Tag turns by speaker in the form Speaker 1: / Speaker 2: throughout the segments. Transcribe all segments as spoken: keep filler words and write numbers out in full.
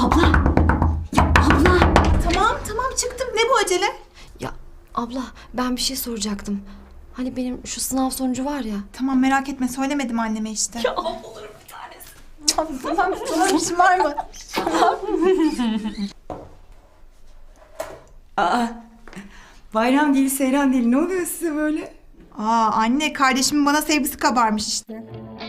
Speaker 1: Abla! Ya abla!
Speaker 2: Tamam tamam çıktım. Ne bu acele?
Speaker 1: Ya abla ben bir şey soracaktım. Hani benim şu sınav sonucu var ya.
Speaker 2: Tamam merak etme söylemedim anneme işte.
Speaker 1: Ya ablalarım bir tanesi.
Speaker 2: Tamam tamam tamam işin var mı?
Speaker 3: Aa, bayram değil, seyran değil. Ne oluyor size böyle?
Speaker 2: Aa anne kardeşimin bana sevgisi kabarmış işte.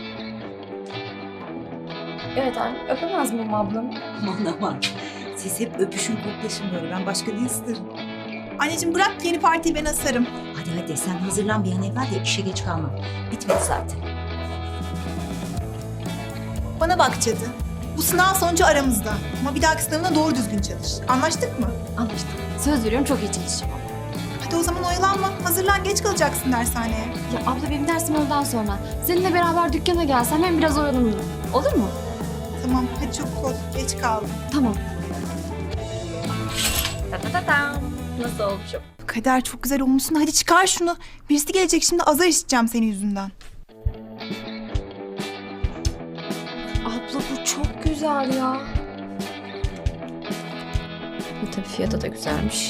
Speaker 1: Evet anne öpemez miyim ablamı?
Speaker 3: Aman aman. Siz hep öpüşün koklaşın böyle. Ben başka ne isterim?
Speaker 2: Anneciğim bırak yeni partiyi ben asarım.
Speaker 3: Hadi hadi sen hazırlan bir an evvel de işe geç kalma. Bitmedi zaten.
Speaker 2: Bana bak Cadı. Bu sınav sonucu aramızda. Ama bir dahaki sınavına doğru düzgün çalış. Anlaştık mı?
Speaker 1: Anlaştık. Söz veriyorum çok iyi çalışacağım.
Speaker 2: Hadi o zaman oyalanma. Hazırlan geç kalacaksın dershaneye.
Speaker 1: Ya abla benim dersim ondan sonra. Seninle beraber dükkana gelsem hem biraz oyalanırım. Olur mu?
Speaker 2: Tamam hadi çabuk ol. Geç kaldım.
Speaker 1: Tamam. Ta ta ta ta. Nasıl olmuşum?
Speaker 2: Kader çok güzel olmuşsun. Hadi çıkar şunu. Birisi gelecek şimdi azar işiteceğim senin yüzünden.
Speaker 1: Abla bu çok güzel ya. Bu tabii fiyatı da güzelmiş.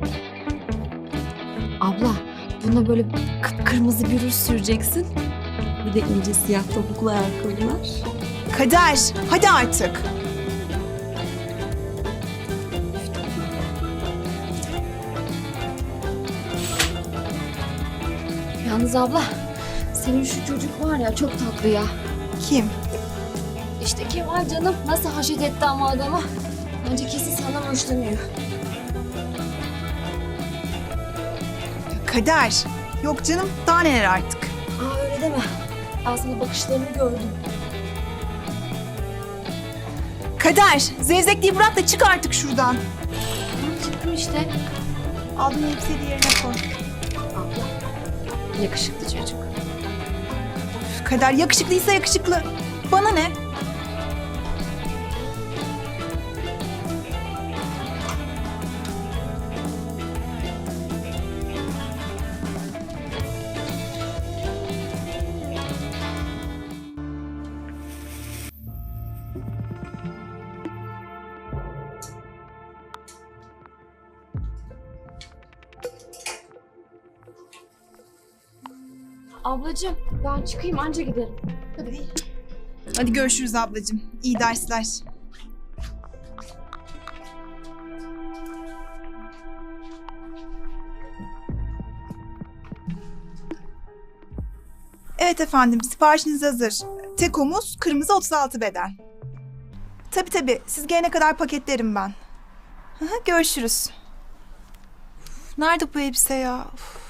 Speaker 1: Abla buna böyle kıpkırmızı bir ruj süreceksin. Bir de ince siyah topuklu ayakkabılar.
Speaker 2: Kader hadi artık.
Speaker 1: Yalnız abla senin şu çocuk var ya çok tatlı ya.
Speaker 2: Kim?
Speaker 1: İşte Kemal canım nasıl haşet etti ama adama. Bence kesin senden hoşlanıyor.
Speaker 2: Kader. Yok canım daha neler artık.
Speaker 1: Aa öyle deme. Ben sana bakışlarını gördüm.
Speaker 2: Kader zevzekliği bırak da çık artık şuradan.
Speaker 1: Tamam çıktım işte.
Speaker 2: Aldığın elbiseyi de yerine koy.
Speaker 1: Abla yakışıklı çocuk.
Speaker 2: Üf, Kader yakışıklıysa yakışıklı. Bana ne?
Speaker 1: Ablacığım ben çıkayım anca giderim.
Speaker 2: Hadi. Hadi görüşürüz ablacığım. İyi dersler. Evet efendim, siparişiniz hazır. Tek omuz, kırmızı otuz altı beden. Tabii tabii, siz gelene kadar paketlerim ben. Hı hı, görüşürüz. Uf, nerede bu elbise ya? Uf.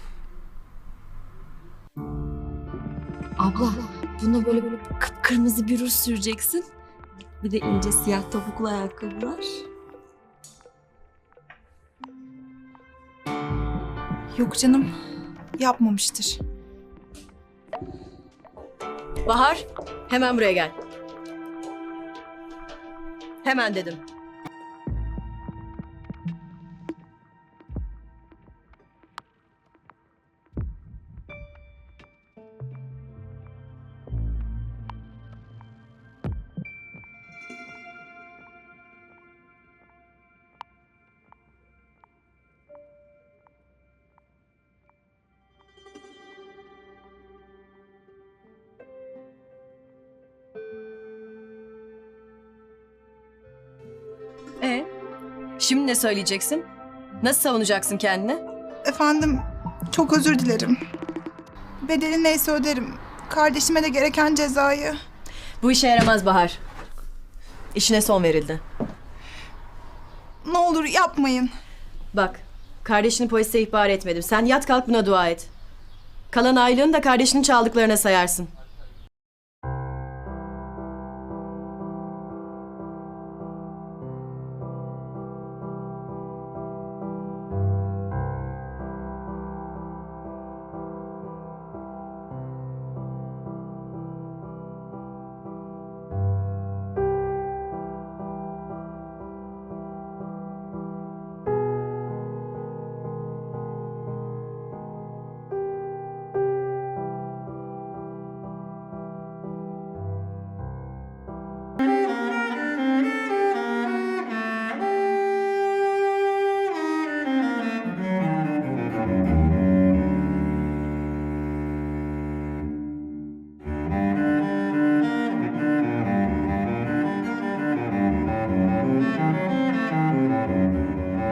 Speaker 1: Abla buna böyle böyle kıpkırmızı bir ruj süreceksin. Bir de ince siyah topuklu ayakkabılar.
Speaker 2: Yok canım, yapmamıştır.
Speaker 4: Bahar, hemen buraya gel. Hemen dedim. Ee, şimdi ne söyleyeceksin? Nasıl savunacaksın kendini?
Speaker 2: Efendim, çok özür dilerim. Bedeli neyse öderim. Kardeşime de gereken cezayı.
Speaker 4: Bu işe yaramaz Bahar. İşine son verildi.
Speaker 2: Ne olur yapmayın.
Speaker 4: Bak, kardeşini polise ihbar etmedim. Sen yat kalk buna dua et. Kalan aylığını da kardeşinin çaldıklarına sayarsın.